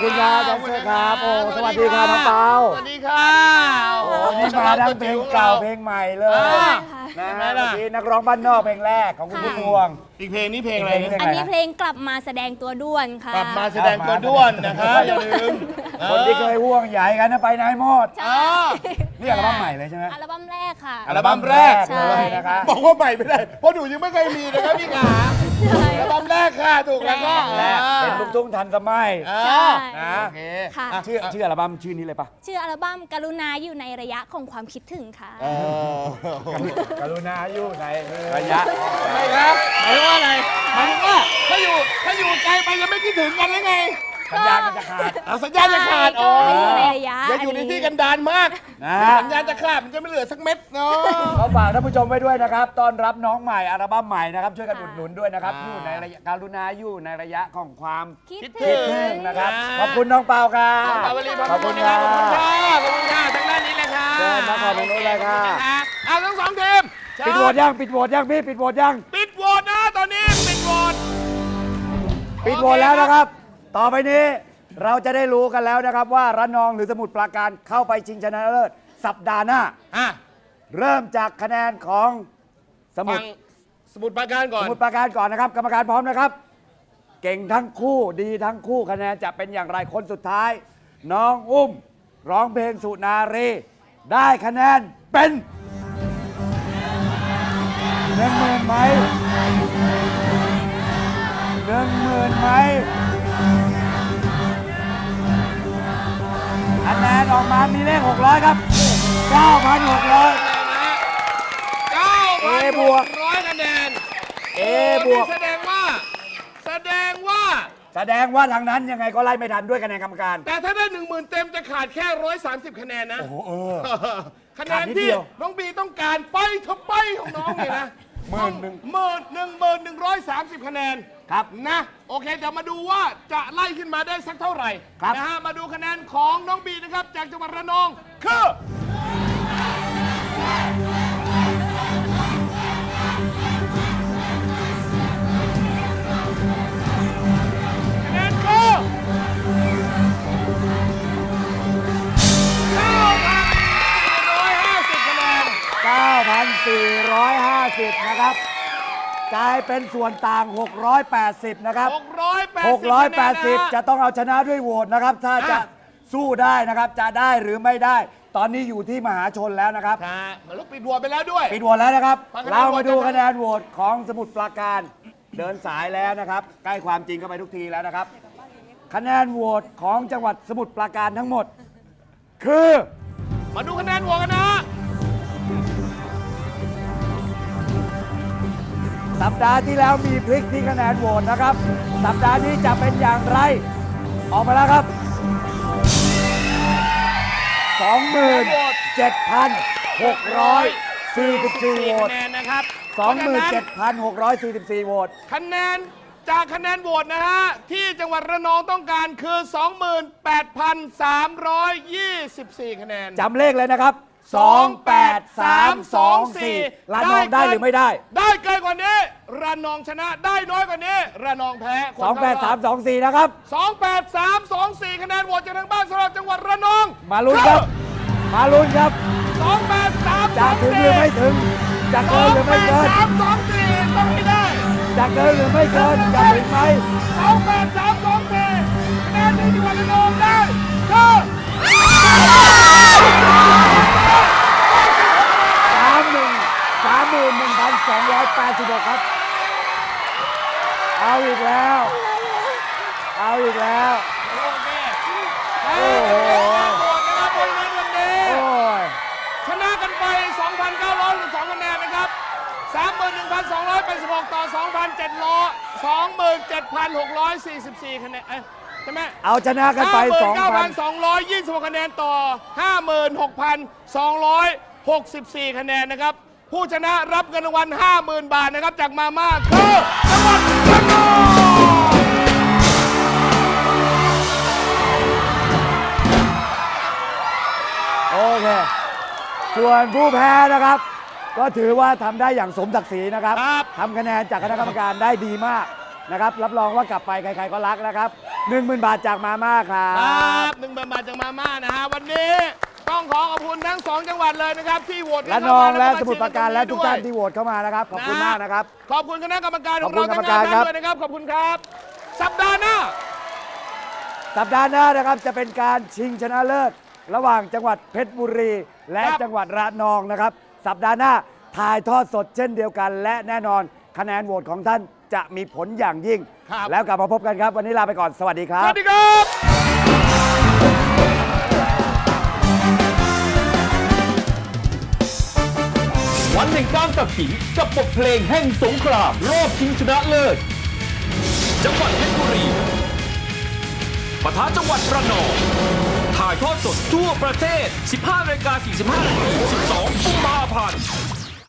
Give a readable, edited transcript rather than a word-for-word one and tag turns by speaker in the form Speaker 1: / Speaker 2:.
Speaker 1: คุณครับแดนเซอร์ครับโอ้สวัสดีครับน้องเปา
Speaker 2: สวัสดีค่ะโอ้
Speaker 1: นี่มาทั้งเพลงเก่าเพลงใหม่เลยนะฮะเมื่อกี้นักร้องบ้านนอกเพลงแรกของคุณพุ่มพวง
Speaker 2: อีกเพลงนี้เพลงอะไร
Speaker 3: อันนี้เพลงกลับมาแสดงตัวด้วนค่ะ
Speaker 2: กลับมาแสดงตัวด้วนนะคะอย่าลืม
Speaker 1: คนที่เคยห่วงใหญ่กันนะไปไหนหมด
Speaker 3: ใช่
Speaker 1: นี่อัลบั้มใหม่เลยใช่ไหม
Speaker 3: อัลบั้มแรกค่ะ
Speaker 2: อัลบั้มแรก
Speaker 3: ใช่
Speaker 1: เลยนะครับ
Speaker 2: บอกว่าใหม่ไม่ได้เพราะหนูยังไม่เคยมีนะครับพี่ขาอัลบั้มแรกค่ะถูกแล้วก็
Speaker 1: แรกเป็นลูกทุ่งทันสมัย
Speaker 3: ใช่
Speaker 1: นะ
Speaker 2: โอเค
Speaker 3: ค่ะ
Speaker 1: ชื่ออัลบั้มชื่อนี้เลยปะ
Speaker 3: ชื่ออัลบั้มกรุณาอยู่ในระยะของความคิดถึงค่ะ
Speaker 1: กรุณาอยู่ในระยะ
Speaker 2: ทำไมครับหมายว่าอะไรหมายว่าถ้าอยู่ไกลไปยังไม่คิดถึงกันหรือไง
Speaker 1: สัญญาณมันจะขาด
Speaker 2: เอาสัญญาณจะขาด
Speaker 3: ใช่ก็อยู่ในระยะ
Speaker 2: อย่าอยู่ในที่กันดารมาก
Speaker 1: นะ
Speaker 2: สัญญาณจะขาดมันจะไม่เหลือสักเม็ดเนาะ
Speaker 1: เขาฝากท่านผู้ชมไว้ด้วยนะครับต้อนรับน้องใหม่อัลบั้มใหม่นะครับช่วยกันอุดหนุนด้วยนะครับอยู่ในระยะกรุณาอยู่ในระยะของความ
Speaker 3: คิด
Speaker 2: คิด
Speaker 3: ถึ
Speaker 2: ถึ
Speaker 3: ง
Speaker 2: ง
Speaker 1: นะครับขอบคุณน้องเปาค่ะ
Speaker 2: ขอบคุณขอบคุณครับขอบคุณค่ะขอบคุณค่ะทางด้านนี้เลยค่ะ
Speaker 1: เชิญมาขอบคุณเลยค่ะ
Speaker 2: เอาทั้งสองทีม
Speaker 1: ปิดโหวตยังปิดโหวตยังพี่ปิดโหวตยัง
Speaker 2: ปิดโหวตนะตอนนี้ปิดโหวต
Speaker 1: ปิดโหวตแล้วนะครับ ต่อไปนี้เราจะได้รู้กันแล้วนะครับว่าระนองหรือสมุทรปราการเข้าไปชิงชนะเลิศสัปดาห์หน้า
Speaker 2: อ่ะ
Speaker 1: เริ่มจากคะแนนของสมุ
Speaker 2: ฟั
Speaker 1: ท
Speaker 2: ง
Speaker 1: ร
Speaker 2: สมุดปราการก่อน
Speaker 1: สมุทรปราการก่อนนะครับ กรรมการพร้อมนะครับ เก่งทั้งคู่ดีทั้งคู่คะแนนจะเป็นอย่างไรคนสุดท้าย น้องอุ้มร้องเพลงสุนารีได้คะแนนเป็น10,000ไหม10,000ไหมคะแนนออกมามีเลข600 ครับ 9,600 A บวก
Speaker 2: 9,600 คะแนน
Speaker 1: A บวก
Speaker 2: แสดงว่า
Speaker 1: แสดงว่าทางนั้นยังไงก็ไล่ไม่ทันด้วยคะแนนกรรมการ
Speaker 2: แต่ถ้าได้ 10,000 เต็มจะขาดแค่ 130 คะแนนนะ
Speaker 1: โอ้โห
Speaker 2: คะแน
Speaker 1: ขาด
Speaker 2: น
Speaker 1: นิด
Speaker 2: ที่
Speaker 1: เดียว
Speaker 2: น้องบีต้องการไปเถอะไปของน้องเนี่ยนะ 11,130 คะแนน
Speaker 1: ครับ
Speaker 2: นะโอเคเดี๋ยวมาดูว่าจะไล่ขึ้นมาได้สักเท่าไหร่
Speaker 1: ครับ
Speaker 2: นะฮะมาดูคะแนนของน้องบีนะครับ จากจังหวัดระนองคือคะแนนคือ9,450 คะแนน
Speaker 1: 9,450 นะครับ กลายเป็นส่วนต่าง 680 นะครับ 680 จะต้องเอาชนะด้วยโหวตนะครับ ถ้าจะสู้ได้นะครับ จะได้หรือไม่ได้ ตอนนี้อยู่ที่มหาชนแล้วนะครับ
Speaker 2: ค่ะมันลุกปิดหัวไปแล้วด้วย
Speaker 1: ปิดโหวตแล้วนะครับ
Speaker 2: ฟังคะแนน
Speaker 1: เรามาดู
Speaker 2: โหวตกัน
Speaker 1: คะแนนโหวตของสมุทรปราการเดินสายแล้วนะครับ ใกล้ความจริงเข้าไปทุกทีแล้วนะครับ คะแนนโหวตของจังหวัดสมุทรปราการทั้งหมด คือ
Speaker 2: มาดูคะแนนโหวตกันนะ
Speaker 1: สัปดาห์ที่แล้วมีพลิกที่คะแนนโหวตนะครับ สัปดาห์นี้จะเป็นอย่างไร ออกมาแล้วครับ 27,644 โหวต
Speaker 2: คะแนนนะครับ
Speaker 1: 27,644 โหวต
Speaker 2: คะแนนจากคะแนนโหวตนะฮะ ที่จังหวัดระนองต้องการคือ 28,324 คะแนน
Speaker 1: จำเลขเลยนะครับ 28324ระนองได้หรือไม่ได้
Speaker 2: ได้เกินกว่านี้ระนองชนะได้น้อยกว่านี้ระนองแพ้คนเข้ารอบ
Speaker 1: 28324 นะครับ
Speaker 2: 28324 คะแนนโหวตจากทางบ้านสำหรับจังหวัดระนอง
Speaker 1: มาลุ้นครับ มาลุ้นครับ
Speaker 2: 28324
Speaker 1: จะถึงหรือไม่ถึง จะเกินหรือไม่เกิน
Speaker 2: 28324ต้องให้ได้
Speaker 1: จะเกินหรือไม่เกิน จะถึงไหม
Speaker 2: 28324คะแนนที่จังหวัดระนองได้คือ
Speaker 1: 31,286 ครับ เอาอีกแล้ว เอาอีกแล้ว
Speaker 2: โอเค
Speaker 1: โอ้โห
Speaker 2: โหวตนะครับเพราะฉะนั้นวันนี้
Speaker 1: โอ้ย
Speaker 2: ชนะกันไป 2,912 คะแนนนะครับ 31,286 ต่อ 27,644 คะแนนใช่ไหม
Speaker 1: เอาชนะกันไป
Speaker 2: 59,226 คะแนนต่อ 56,264 คะแนนนะครับ ผู้ชนะรับเงินรางวัล 50,000 บาทนะครับ จากมาม่าคือจังหวัดระนอง
Speaker 1: โอเค ส่วนผู้แพ้นะครับ ก็ถือว่าทำได้อย่างสมศักดิ์ศรีนะครับ
Speaker 2: ครับ
Speaker 1: ทำคะแนนจากคณะกรรมการได้ดีมากนะครับรับรองว่ากลับไปใครๆก็รักนะครับ 10,000 บาทจากมาม่าครั
Speaker 2: ครับ บ1,000 บาทจากมาม่านะฮะวันนี้ต้องขอขอบคุณทั้ง 2 จังหวัดเลยนะครับที่โหวต
Speaker 1: และนองและสมุทรปราการและทุกท่านที่โหวตเข้ามานะครับขอบคุณมากนะครับ
Speaker 2: ขอบคุณคณะกรรมการของ
Speaker 1: ขอบคุ
Speaker 2: เรา
Speaker 1: ณ
Speaker 2: ทั้ง
Speaker 1: กรรมการ
Speaker 2: 5
Speaker 1: ครั
Speaker 2: ท่าน
Speaker 1: บ
Speaker 2: ด้วยนะครับขอบคุณครับ สัปดาห์หน้า
Speaker 1: สัปดาห์หน้านะครับจะเป็นการชิงชนะเลิศระหว่างจังหวัดเพชรบุรี และ
Speaker 2: ครับ
Speaker 1: จังหวัดระนองนะครับ สัปดาห์หน้าถ่ายทอดสดเช่นเดียวกัน และแน่นอนคะแนนโหวตของท่านจะมีผลอย่างยิ่ง
Speaker 2: ครับ
Speaker 1: แล้วกลับมาพบกันครับ วันนี้ลาไปก่อนสวัสดีครั
Speaker 2: ส
Speaker 1: บ
Speaker 2: วัสดีครับ
Speaker 4: วันแห่งการตัดสินกับบทเพลงแห่งสงครามรอบชิงชนะเลิศจังหวัดเพชรบุรีปะทะจังหวัดระนองถ่ายทอดสดทั่วประเทศ 15:45 น. 12 กุมภาพันธ์